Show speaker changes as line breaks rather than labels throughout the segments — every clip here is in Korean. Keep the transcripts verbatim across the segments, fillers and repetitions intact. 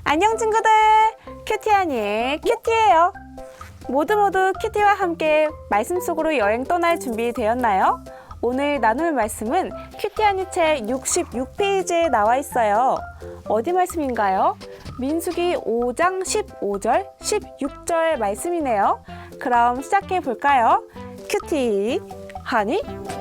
안녕 친구들! 큐티하니의 큐티예요. 모두 모두 큐티와 함께 말씀 속으로 여행 떠날 준비 되었나요? 오늘 나눌 말씀은 큐티하니 책 육십육 페이지에 나와 있어요. 어디 말씀인가요? 민수기 오 장 십오 절, 십육 절 말씀이네요. 그럼 시작해 볼까요? 큐티 하니?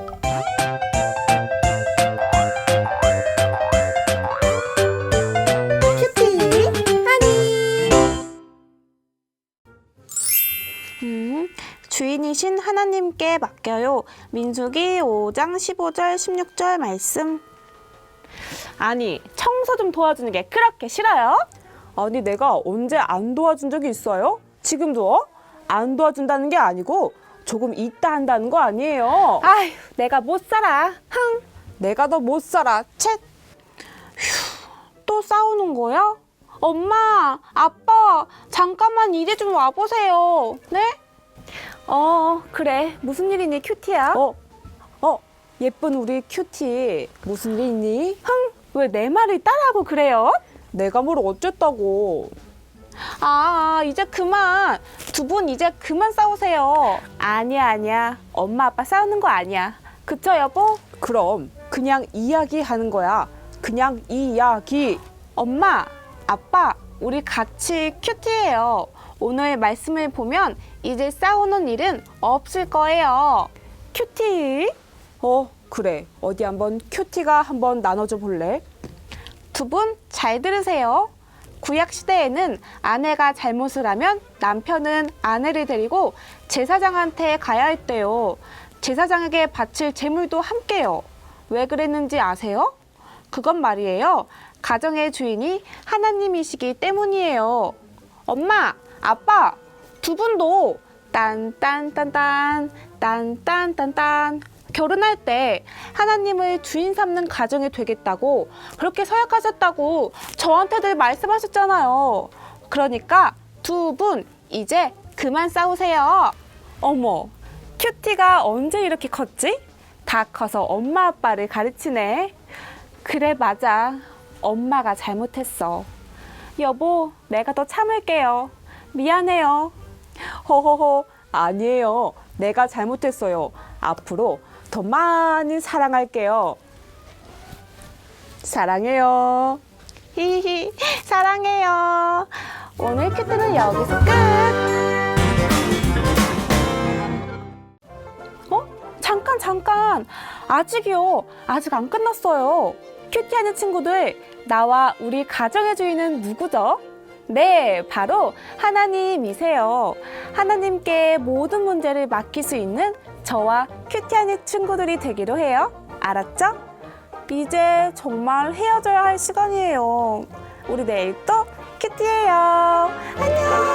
음, 주인이신 하나님께 맡겨요. 민수기 오 장 십오 절, 십육 절 말씀. 아니, 청소 좀 도와주는 게 그렇게 싫어요?
아니, 내가 언제 안 도와준 적이 있어요? 지금도 어? 안 도와준다는 게 아니고 조금 있다 한다는 거 아니에요.
아휴, 내가 못 살아. 흥.
내가 더 못 살아. 쳇.
또 싸우는 거야? 엄마, 아빠, 잠깐만 이리 좀 와보세요. 네? 어, 그래. 무슨 일이니, 큐티야?
어? 어? 예쁜 우리 큐티. 무슨 일 있니?
흥, 왜 내 말을 따라하고 그래요?
내가 뭘 어쨌다고.
아, 이제 그만. 두 분 이제 그만 싸우세요. 아니야, 아니야. 엄마, 아빠 싸우는 거 아니야. 그쵸, 여보?
그럼 그냥 이야기하는 거야. 그냥 이야기.
엄마, 아빠, 우리 같이 큐티예요. 오늘 말씀을 보면 이제 싸우는 일은 없을 거예요. 큐티?
어, 그래. 어디 한번 큐티가 한번 나눠줘 볼래?
두 분 잘 들으세요. 구약 시대에는 아내가 잘못을 하면 남편은 아내를 데리고 제사장한테 가야 했대요. 제사장에게 바칠 제물도 함께요. 왜 그랬는지 아세요? 그건 말이에요. 가정의 주인이 하나님이시기 때문이에요. 엄마, 아빠, 두 분도 딴딴딴딴, 딴딴딴딴 결혼할 때 하나님을 주인 삼는 가정이 되겠다고 그렇게 서약하셨다고 저한테들 말씀하셨잖아요. 그러니까 두 분 이제 그만 싸우세요. 어머, 큐티가 언제 이렇게 컸지? 다 커서 엄마 아빠를 가르치네. 그래, 맞아. 엄마가 잘못했어. 여보, 내가 더 참을게요. 미안해요.
허허허, 아니에요. 내가 잘못했어요. 앞으로 더 많이 사랑할게요. 사랑해요.
히히, 사랑해요. 오늘 큐티는 여기서 끝. 어? 잠깐, 잠깐. 아직이요. 아직 안 끝났어요. 큐티하는 친구들, 나와 우리 가정의 주인은 누구죠? 네, 바로 하나님이세요. 하나님께 모든 문제를 맡길 수 있는 저와 큐티하는 친구들이 되기로 해요. 알았죠? 이제 정말 헤어져야 할 시간이에요. 우리 내일 또 큐티예요. 안녕!